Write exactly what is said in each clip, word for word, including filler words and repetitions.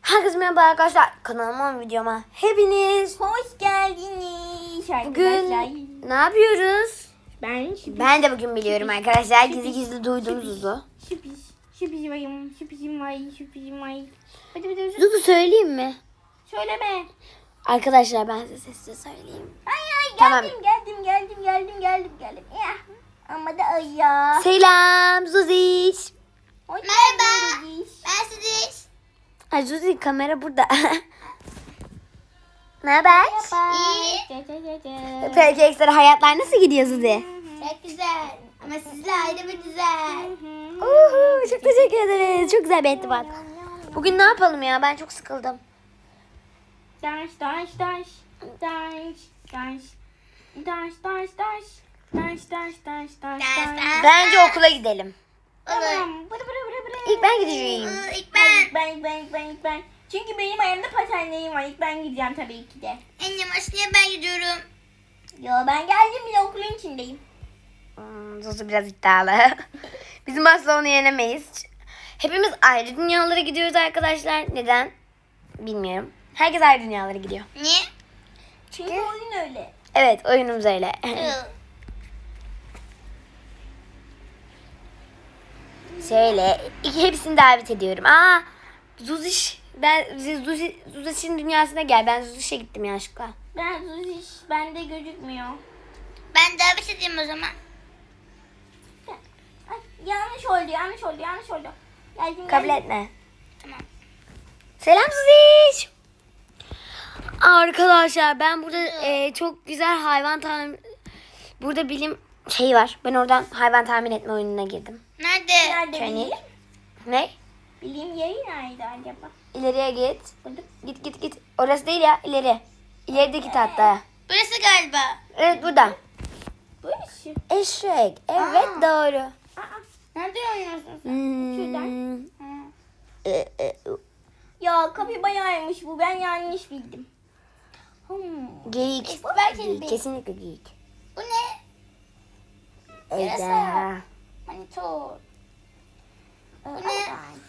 Herkese merhaba arkadaşlar. Kanalıma, videoma hepiniz Hoş geldiniz arkadaşlar. bugün ne yapıyoruz? Ben şüphiz. Ben de bugün biliyorum arkadaşlar. Şüphiz. Gizli gizli duyduğum Zuzu. Şüphiz. Şüphizim varım. Şüphizim var. Şüphizim var. Hadi hadi hadi. Zuzu söyleyeyim mi? Söyleme. Arkadaşlar ben size sesle söyleyeyim. Ay ay Tamam. geldim geldim geldim geldim geldim geldim. Ya. Ama da ay ya. Selam Zuziş. Hoş Merhaba. geldiniz. Ben sizi Ay Zuzi kamera burada. Ne haber? İyi. Peki ekstra hayatlar nasıl gidiyor Zuzi? Çok güzel. Ama sizle ayrı bir güzel. Uhu, çok teşekkür ederiz. Çok güzel bir ettibat. Bugün ne yapalım ya? Ben çok sıkıldım. Daş daş daş. Daş daş. Daş daş daş. Daş daş daş daş Daş, daş. daş. Bence okula gidelim. Olur. Tamam. Bıra bıra bıra bıra. İlk ben gideceğim. Ee, İlk Ben, ben. ben, ilk ben, ilk ben, ilk ben. Çünkü benim ayağımda patenlerim var. İlk ben gideceğim tabii ki de. En yavaş niye ben gidiyorum? Yo ben geldim bile okulun içindeyim. Hmm, Zuzu biraz iddialı. Bizim asla onu yenemeyiz. Hepimiz ayrı dünyalara gidiyoruz arkadaşlar. Neden? Bilmiyorum. Herkes ayrı dünyalara gidiyor. Niye? Çünkü oyun öyle. Evet, oyunumuz öyle. Ee, Şöyle, iki hepsini davet ediyorum. Aa, Zuziş. Ben Zuzi, Zuziş'in dünyasına gel. Ben Zuziş'e gittim yanlışlıkla. Ben hiç bende gözükmüyor. Ben davet edeyim o zaman. Ay, yanlış oldu, yanlış oldu, yanlış oldu. Geldim, Kabul geldim. etme. Tamam. Selam Zuziş. Arkadaşlar ben burada e, çok güzel hayvan tahmin... Burada bilim şey var. Ben oradan hayvan tahmin etme oyununa girdim. Nerede? Nerede Kendi. bileyim? Ne? Bileyim yeri nerede acaba? İleriye git. Burada. Git git git. Orası değil ya, ileri. İlerideki tahta. Burası galiba. Evet, burada. Burası. Eşek. Evet, Aa. doğru. Aa, Nerede oynuyorsun sen? Hmm. Şuradan. Ha. E, e, Ya kapı bayağıymış bu. Ben yanlış bildim. Hmm. Geyik. Belki Geyik. bir- Kesinlikle geyik. Bu ne? Ejderha. Manitor. Bu ne?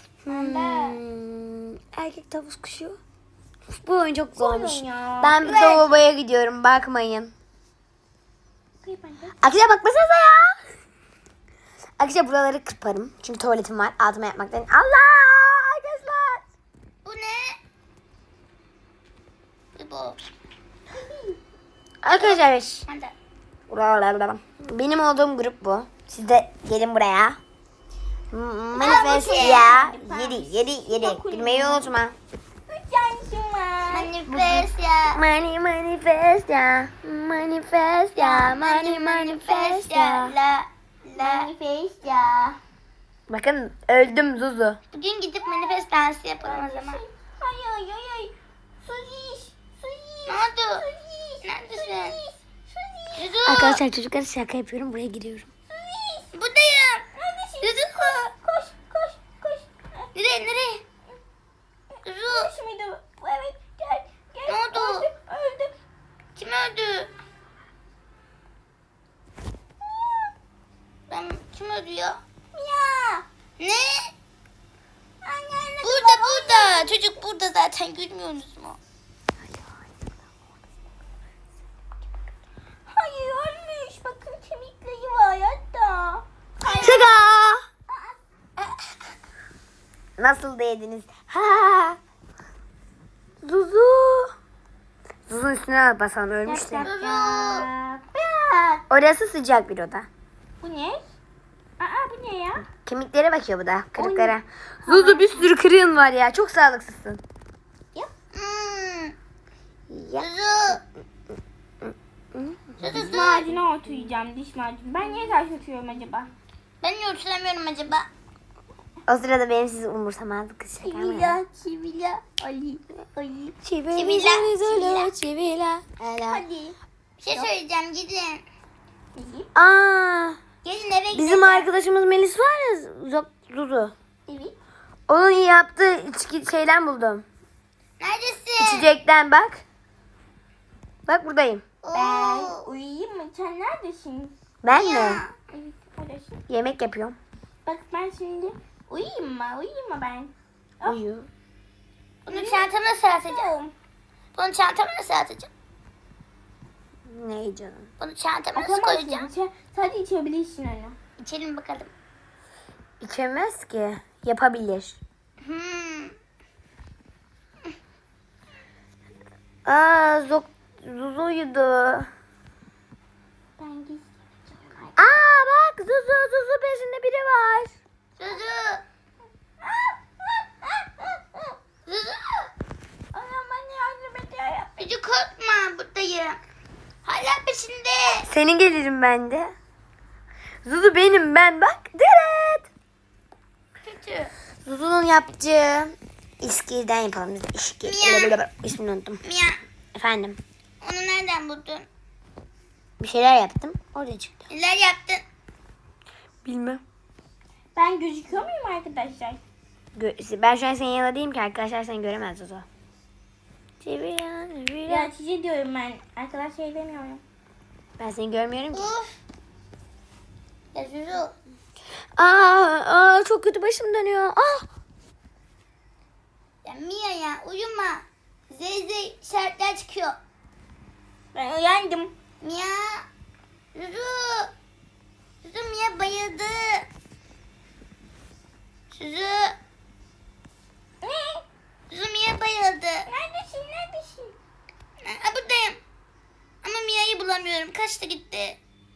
Hmm. Erkek tavus kuşu. Bu oyun çok zormuş. oyun ya. Ben bir Evet. lavaboya gidiyorum. Bakmayın. Kıyım anne. Arkadaşlar bakmasanıza ya. Arkadaşlar buraları kırparım. Çünkü tuvaletim var. Altıma yapmaktan. Allah! Arkadaşlar. Bu ne? Bu bu. Arkadaşlar. Hadi. Benim olduğum grup bu. Siz de gelin buraya. Manifest Aa, bu ya. şey. Yedi, yedi, yedi. Dokuz. Bilmeyi unutma. Üç yanlışım var. Manifest ya. Money manifest ya. Manifest ya. Money manifest ya. La la. Manifest ya. Bakın öldüm Zuzu. Bugün gidip manifest dansı yapalım o zaman. Ay ay ay ay. Suziş. Suziş. Ne oldu? Suziş. Neredesin? Suziş. Yuzu. Arkadaşlar çocuklara şaka yapıyorum. Buraya giriyorum. Suziş. Buradayım. Neredesin? Yuzu. Koş koş koş. Nereye nereye? Yuzu. Koş muydu? Evet gel. Gel. Ne oldu? Öldüm. Öldüm. Kim öldü? Ben kim öldü ya? Ya. Ne? Anne. Burada burada. Çocuk burada zaten görmüyorsunuz mu? Hayır ölmüş. Bakın kemikleri var hatta. Şaka. Nasıl değdiniz? Ha. Zuzu. Zuzu'nun üstüne basalım, ölmüştü. Yak, yak, yak. Bak. Orası sıcak bir oda. Bu ne? Aa bu ne ya? Kemiklere bakıyor bu da. Kırıklara. Zuzu bir sürü kırığın var ya. Çok sağlıksızsın. Ya. Hmm. Ya. Yuzu. Diş Yuzu. macunu oturacağım diş macunu. Ben niye taş oturuyorum acaba? Ben niye oturamıyorum acaba? O sırada benim sizi umursamazlık şaka mı? Çivila, çivila, Ali, Ali. Çivila, Çivila, çivila, çivila. Hadi. Bir şey söyleyeceğim gidin. İyi. Aa, Gelin eve gidelim. bizim arkadaşımız Melis var ya, Zo- Zuzu. Evet. Onun yaptığı içki şeyden buldum. Neredesin? İçecekten bak. Bak buradayım. Ben Oo. uyuyayım mı? Sen neredesin? Ben mi? Ya. Evet, oradasın. Yemek yapıyorum. Bak ben şimdi uyuyayım mı? Uyuyayım mı ben? Uyu. Bunu çantama nasıl atacağım? Bunu çantama nasıl atacağım? Ne canım? Bunu çantama nasıl Atamazsın. koyacağım? İçe, sadece içebilirsin onu. İçelim bakalım. İçemez ki. Yapabilir. Hmm. Aa, Zok Zuzu uyudu. Ben gizleyeceğim. Aa bak Zuzu Zuzu peşinde biri var. Zuzu. Zuzu. Anam bana yardım ediyor. Zuzu korkma buradayım. Hala peşinde. Senin gelirim ben de. Zuzu benim ben bak. Deret. Kötü. Zuzu'nun yaptığı İskirden yapalım biz. İşki. Mia. İsmini unuttum. Mia, Efendim. onu nereden buldun? Bir şeyler yaptım. Orada çıktı. Neler yaptın? Bilmem. Ben gözüküyor muyum arkadaşlar? Gö- ben şu an senin yanında değilim ki arkadaşlar seni göremez Zuzu. Çeviriyor, çeviriyor. Ya size diyorum ben. Arkadaş şey demiyorum. Ben seni görmüyorum ki. Uf. Ya Zuzu. Aa, aa çok kötü başım dönüyor. Ah. Ya Mia ya uyuma. Zeyzey şartlar çıkıyor. Ben uyandım. Mia. Zuzu. Zuzu Mia bayıldı. Zuzu. Ne? Zuzu Mia bayıldı. Neredesin? Neredesin? Ha, buradayım. Ama Mia'yı bulamıyorum. Kaçta gitti?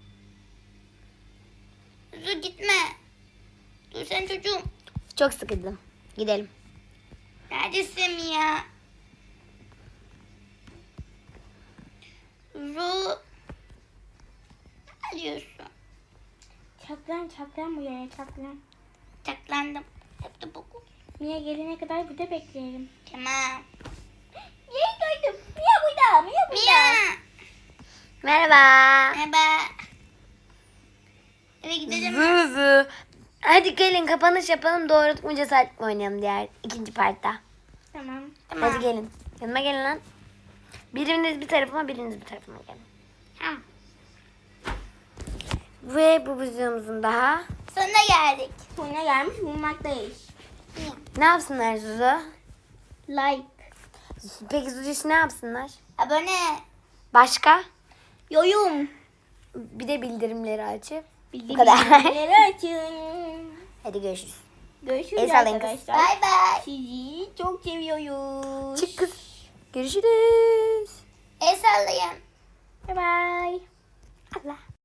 Zuzu gitme. Dur sen çocuğum. Çok sıkıldım. Gidelim. Neredesin Mia? Zuzu. Ne diyorsun? Çaklan çaklan bu yere çaklan. Taklandım. Hep de boku. Mia gelene kadar burada bekleyelim. Tamam. Yeni duydum. Mia burada. Mia burada. Mia. Merhaba. Merhaba. Eve gidelim mi? Zuzu. Hadi gelin kapanış yapalım. Doğruluk mu cesaret mi oynayalım diğer ikinci partta. Tamam. Tamam. Hadi gelin. Yanıma gelin lan. Biriniz bir tarafıma biriniz bir tarafıma gelin. Tamam. Ve bu videomuzun daha. Sonuna geldik. Sonra gelmiş bulmaktayız. Ne yapsınlar Zuzu? Like. Peki Zuzu için ne yapsınlar? Abone. Başka? Yorum. Bir de bildirimleri açıp. Bildirim kadar. bildirimleri açın. Hadi görüşürüz. Görüşürüz El sallayın kız. arkadaşlar. Bay bay. Sizi çok seviyoruz. Çık kız. Görüşürüz. El sallayın. Bye bye. Allah.